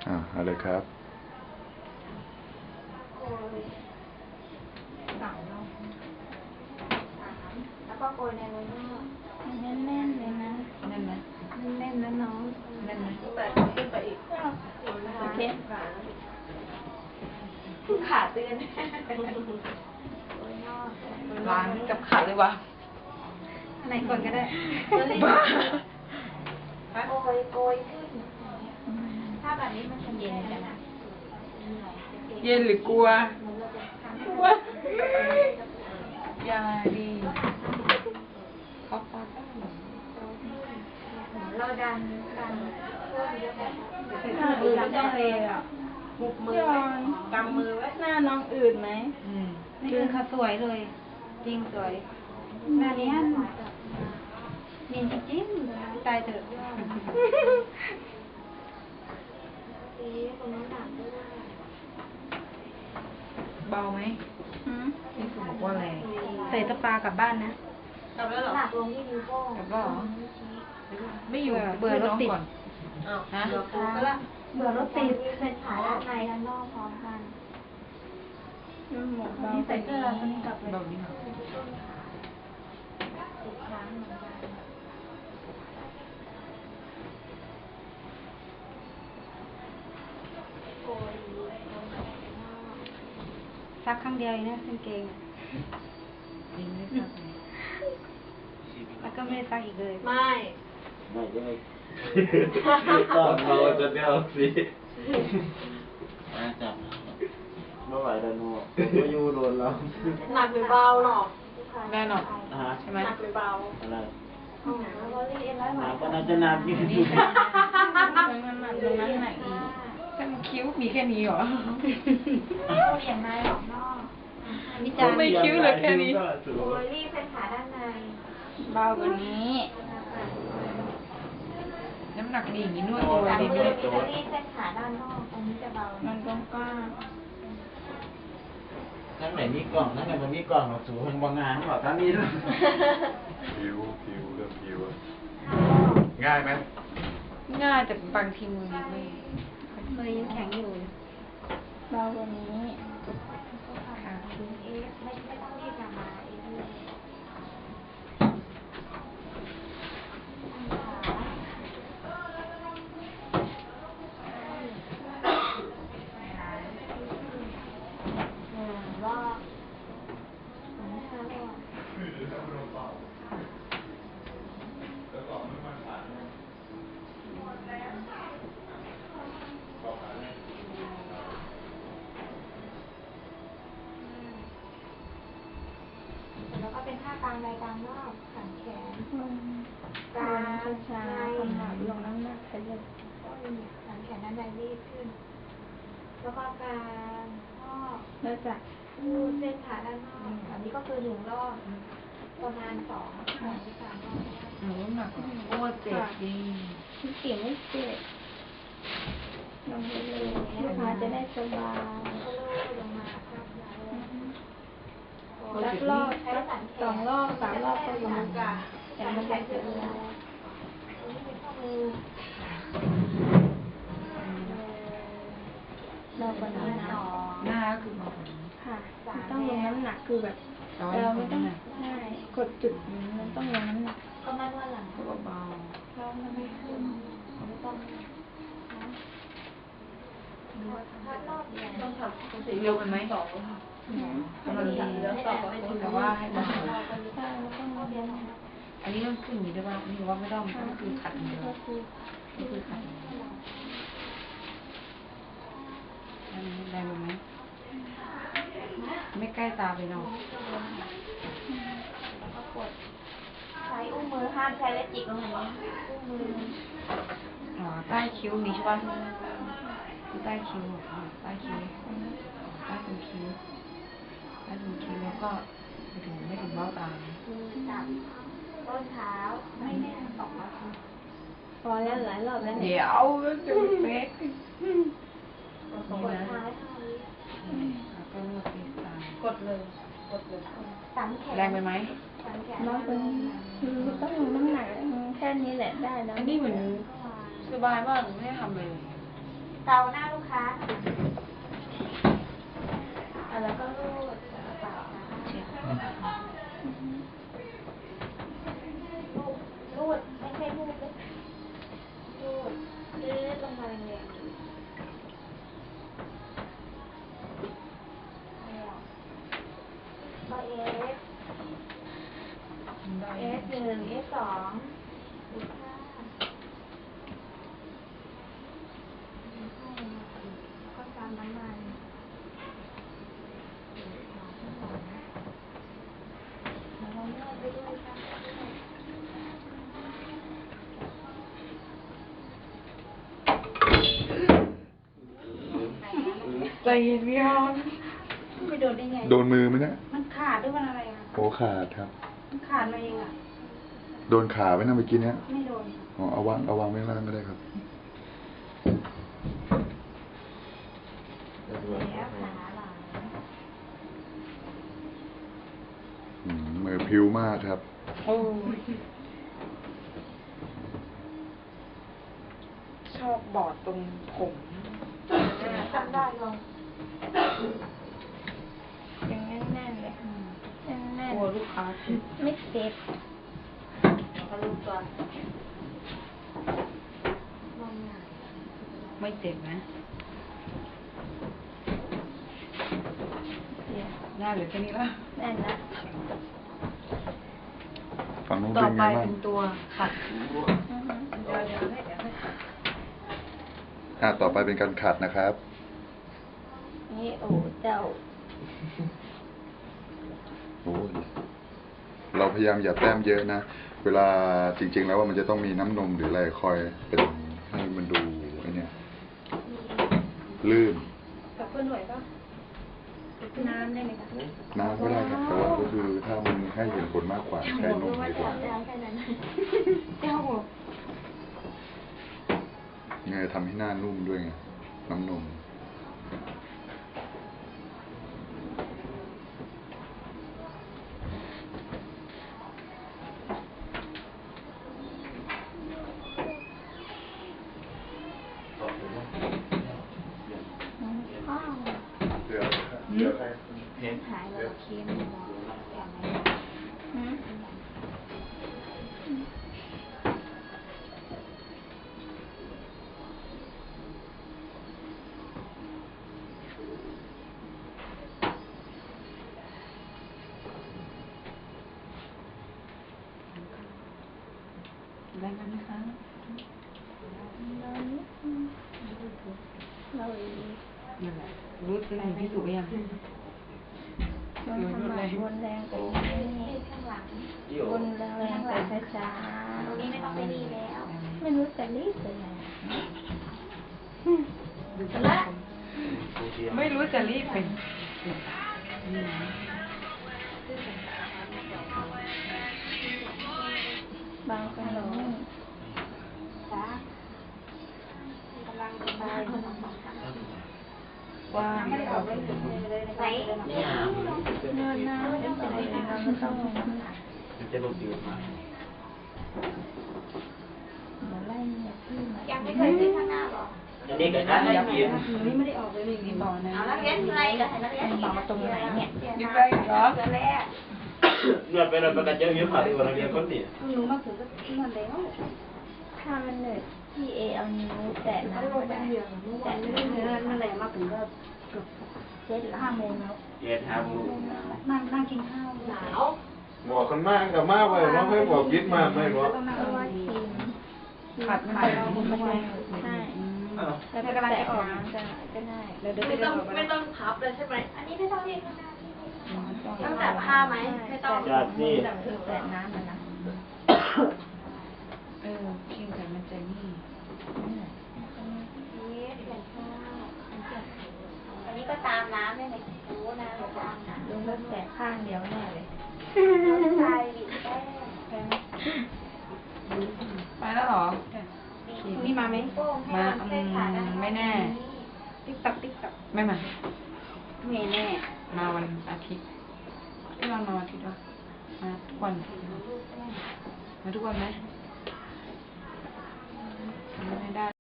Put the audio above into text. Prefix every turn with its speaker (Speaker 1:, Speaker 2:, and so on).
Speaker 1: เอาเลยครับ
Speaker 2: แล้วก็โกยในโรยหน้าแน่นๆเลยนะแน่นไหมแน่นนะน้องแน่นไหมแต่ขึ้นไปอีกโอเคขาเตือน
Speaker 3: ล้างกับขาเลยวะ
Speaker 2: ไหนก่อนก็ได้
Speaker 3: บ้า
Speaker 2: โกยขึ้นถ้าแบบนี้มันจะเย็นกันนะ
Speaker 3: เย็นหรือกลัว กลัว อย่าดีเขาปาได้หรอ
Speaker 2: เราดันเพิ่มเยอะแบบ
Speaker 4: อืดไม่ต้องเลยอ่ะหุบมือกำมือไว้หน้าน้องอืดไหม
Speaker 2: นี่คือเขาสวยเลยจริงสวยหน้านี้เนียนจริงๆตายเถอะ
Speaker 3: เบาไหมนี่คือบอกว่าแรง
Speaker 2: ใส่สปากลับบ้านนะ
Speaker 3: กลับแล้วเหรอ
Speaker 2: หนักลงที่นิ้วโป้ง
Speaker 3: กลับแล้วเหรอไม่อยู่
Speaker 2: เบื่อรถติด
Speaker 3: ก่อนฮะ
Speaker 2: เบื่อรถติดเป็นขาด้านในด้านนอกพร้อมกัน
Speaker 4: หมดนี่ใส่เสื้อคนนี้กลับเลย
Speaker 3: แบบนี้ค่ะ
Speaker 2: ทุกครั้งเหมือนกันซักครั้งเดียวเองนะกางเกง
Speaker 3: ยิงไม่ทราบเลย
Speaker 2: แล้วก็ไม่ได้ซักอีกเลย
Speaker 4: ไม่
Speaker 5: ไม่ได้ต้องเราจะเดียวสิจับไม่ไหวแล้วนัวก็ยูโดนเรา
Speaker 4: หนักหรือเบาหรอ
Speaker 3: แน่นอน
Speaker 5: ใช่
Speaker 3: ไหม
Speaker 4: หนักหรือเบา
Speaker 5: อะไร
Speaker 2: แล้วก็รีดเอ็นร้อยไหม
Speaker 5: ก็น่าจะนานอยู่
Speaker 3: นี่ใช่
Speaker 4: ตรงนั้นตรงนั้นหนักอีก
Speaker 3: แต่มันคิ้วมีแค่นี้เหรอ
Speaker 2: เบี่ยงในออกนอกวิจารณ์
Speaker 3: ไม่คิ้วเลยแค่นี้
Speaker 2: โอ้ยรีดเป็นขาด้านใน
Speaker 4: เบากว่านี้
Speaker 3: น้ำหนักดีอย่างนี้นวดตัวดีไหม
Speaker 2: จะรีดเป็นขาด้านนอกตรงนี้จะเบา
Speaker 4: มันกว้าง
Speaker 5: ทั้งไหนมีกล่องทั้งไหนมันมีกล่องหรอกสูงบางงานนี่บอกทั้งนี้ด้วย
Speaker 1: ผิวเรื่องผิวอะง่ายไหม
Speaker 3: ง่ายแต่บางทีมือไม่
Speaker 2: มือยังแข็งอยู่
Speaker 4: เบากว่านี้
Speaker 3: ค่ะ
Speaker 2: ไม่ต้องรีบกลับมาเองเลยรอบแล้วก็เป็นท่ากลางใดกลางนอกสันแขนกลาง
Speaker 4: ช้าๆคนหนักลงน้ำหนักขยับ
Speaker 2: สันแขนด้านในรีบขึ้น แล้วก็กลางนอก
Speaker 4: แล้วจะ
Speaker 2: รูดเส้นขาด้านนอกอันนี้ก็คือหนึ่งรอบประมาณสองหรือสามรอบ
Speaker 3: หนูน้ำหนักโอ้เจ็บดี
Speaker 4: ที่เกี่ยวไม่เจ็บลงไปเลยลูกค้าจะได้สบาย
Speaker 2: ก็ลูดลงมาครับ
Speaker 4: สักรอบสองรอบสามรอบก็อยู่แต่มันจะเจ็บเวลา
Speaker 2: ตรงนี้เป็นข้อมือ
Speaker 4: รอบกว่านี้นะ
Speaker 3: หน้าก็คือเบาแบบนี้
Speaker 4: ค่ะต้องลงน้ำหนักคือแบบเราไม่ต้องใช่กดจุดนี้มันต้องลงน้ำหนัก
Speaker 2: ก็ไม่ว่าหลัง
Speaker 3: ก็เบา
Speaker 2: เราไม่ขึ้นไม่ต้องถ้ารอบเนี่ยต้องทำ
Speaker 3: เร็วกันไหมกำลังดีแต่ว่าให้เบา
Speaker 4: ใช่แล้วก็มาเรียน
Speaker 3: อันนี้ต้องขึ้นอย่างนี้ด้วยว่านี่ว่าไม่ต้องก็คือขัดอย่างเดียว
Speaker 4: ก็คือ
Speaker 3: นี่คือขัดอย่างเดียวอันนี้แรงไหมไม่ใกล้ตาไปเนาะ
Speaker 2: แล้วก็กดใช้อุ้งมือห้ามใช้และจิกลงอย่างนี้อุ้งมือ
Speaker 3: อ๋อใต้คิ้วนี้ใช่ป่ะคือใต้คิ้วใต้คิ้วใต้ตรงคิ้วใต้ตรงคิ้วแล้วก็ไม่ถึงเบ้าตา
Speaker 2: มือจับต้นเท้าไม่แน่นออกมา
Speaker 4: พอแล้วหลายรอบแล้วเนี่ย
Speaker 3: เดี๋ยวจะเฟก
Speaker 2: กดท้ายเท่านี้
Speaker 3: แล้วก็นวดที่ตาก
Speaker 4: ดเลย
Speaker 2: สันแขน
Speaker 3: แรงไปไหม
Speaker 2: สันแขน
Speaker 4: น้องเป็นคือต้องลงน้ำหนักแค่นี้แหละได้แล้ว
Speaker 3: อันนี้เหมือนสบายมากไม่ได้ทำเลย
Speaker 2: กเกาหน้าลูกค้าแล้วก็รูดกระเป๋ารูดไม่ใช่รูดเลยรูดลงมาแรงๆก็เอส1 S 2ดูค่าก็ตามน้ำมันแล้วก็นวดไปด้วยค่ะ
Speaker 3: ใจเย็นพี่ออน
Speaker 2: ไม่โดนได้ไง
Speaker 1: โดนมือไหมเนี่ย
Speaker 2: มันขาดด้วยมันอะไรอ่ะ
Speaker 1: โอ้ขาดครับ
Speaker 2: มันขาดมาเองอ่ะ
Speaker 1: โดนขาไว้นะเมื่อกี้เนี้ย
Speaker 2: ไม่โดน
Speaker 1: อ๋อเอาวางไว้ข้างล่างก็ได้ครับ
Speaker 2: แล้วขาหลัง
Speaker 1: มือพิ้วมากครับ
Speaker 3: โอ้ยชอบบอดตรงผม
Speaker 2: ทำได้ลง
Speaker 4: ยังแน่นๆเลยแน่
Speaker 3: ก
Speaker 4: น
Speaker 3: ลัวลูกค้าผิด
Speaker 4: ๆไม่เจ็บ
Speaker 2: แล้วก็รูปตัวลงหน่อย
Speaker 3: ไม่เจ็บนะได้เหรือแค่นี้ละ
Speaker 4: แน่นนะ
Speaker 1: ฝั่งนู้น
Speaker 3: ต่อ
Speaker 1: เป็น
Speaker 3: ไป
Speaker 1: ไงบ้าง
Speaker 3: เป็นตัวขัด
Speaker 1: ต่อไปเป็นการขัดนะครับ
Speaker 4: นี่โอ้เจ้า
Speaker 1: โอ้ยเราพยายามอย่าแต้มเยอะนะ เวลาจริง ๆ แล้วว่ามันจะต้องมีน้ำนมหรืออะไรคอยเป็นให้มันดูไอ้เนี่ยลื่น
Speaker 2: กับเพื่อนหน่วยป่ะน้ำได้ไหมคะ
Speaker 1: น้ำก็ได้ครับแต่ว่าก็คือถ้ามันให้เห็นผลมากกว่าใช้นมดีกว่า
Speaker 2: แล้วแค่นั้น
Speaker 4: เจ้า
Speaker 1: ไงทำให้หน้านุ่มด้วยไงน้ำนม
Speaker 4: ข้าว
Speaker 1: เดี๋ยวใคร
Speaker 2: หายแล้วเค็มบอกอย่างไร
Speaker 4: หืม
Speaker 3: ได้กันไหมคะ
Speaker 4: เราอีก
Speaker 3: นั่นแหละรู้สึกถึงที่สุดหรือยัง
Speaker 4: มันทำหนักวนแรงไปนี่
Speaker 2: ข้างหลัง
Speaker 4: วนแรงๆไปช้า
Speaker 2: ตรงนี้ไม่ต้องไปดีแล้ว
Speaker 4: ๆไม่รู้จะรีบไปไหน
Speaker 3: ไม่รู้จะรีบเป็นนี่นะ
Speaker 4: บางคนหลง
Speaker 2: จ้ากำลังจะไป
Speaker 3: ว่า
Speaker 2: ไม่ได้ออกเลยไหน
Speaker 4: เนินหน้าไม่ต้องไปเราไม่ต้อง
Speaker 5: มันจะลงจืดมา
Speaker 4: เดี๋ยวไล่เนี่ยพี่มา
Speaker 2: ยังไม่เคยซื้อข้างหน้าหรอ
Speaker 5: อันนี้ก็ได้ยับยืน
Speaker 3: นี่ไม่ได้ออกเลยนี่ต่อนะ
Speaker 2: เอานักเรียนอะไรกับนักเรียนต่อมาตรงไหนเนี่ย
Speaker 3: ยึดไปเหรอ
Speaker 2: เดือนแรก
Speaker 5: นวดไปนวดไปกันเยอะเยอะผ่านตัวนักเรียนคนนี้
Speaker 2: หนูมาถึงก็นอนแล้ว
Speaker 4: ถ้ามันเหนื่อยพี่เอเอานิ้วแตะ
Speaker 2: เขา
Speaker 4: น้ำ
Speaker 2: ล
Speaker 4: ก็
Speaker 2: งไป
Speaker 4: ได้
Speaker 2: เหยื่อเมื่อวานไม่ได้เนื้อนั่นแหละมาถึงก็เกือบ
Speaker 4: เจ็ดละ5 โมงแล้ว
Speaker 5: เจ็ดห้าโมง
Speaker 2: นั่งกินข้าวหนาว
Speaker 1: บอกกันมากกับมากไปว่าให้บอกคิดมากไม่บอก
Speaker 4: เพราะว่าทีม
Speaker 3: ขัดมันไปเราไม่ไหว
Speaker 4: ใช่แล้วก็แตะน้ำก็ได้แล้วเดี๋ยว
Speaker 2: ไม่ต้องพับเลยใช่ไหมอันนี้ไม่ต้องเรียกข้างหน้าต้องจับผ้าไหมไม่ต้อง
Speaker 5: จัดนี่
Speaker 4: แตะน้ำมันนะ
Speaker 3: เพียงแต่มันจะนี่
Speaker 2: อันนี้ก็ตามน้ำได้ไหมรู้นะตามน้ำ
Speaker 4: ลุงก็แตะข้างเดียวแน่เลย
Speaker 2: ใช่ดิแป้ง
Speaker 3: ไปแล้วเหรอ
Speaker 2: นี่มาไหม
Speaker 3: มาไม่แน่
Speaker 2: ติ๊กตักติ๊กตัก
Speaker 3: ไม่มา
Speaker 2: ไม่แน่
Speaker 3: มาวันอาทิตย์พี่วันมาวันอาทิตย์วะมาทุกวันมาทุกวันไหมไม่ได้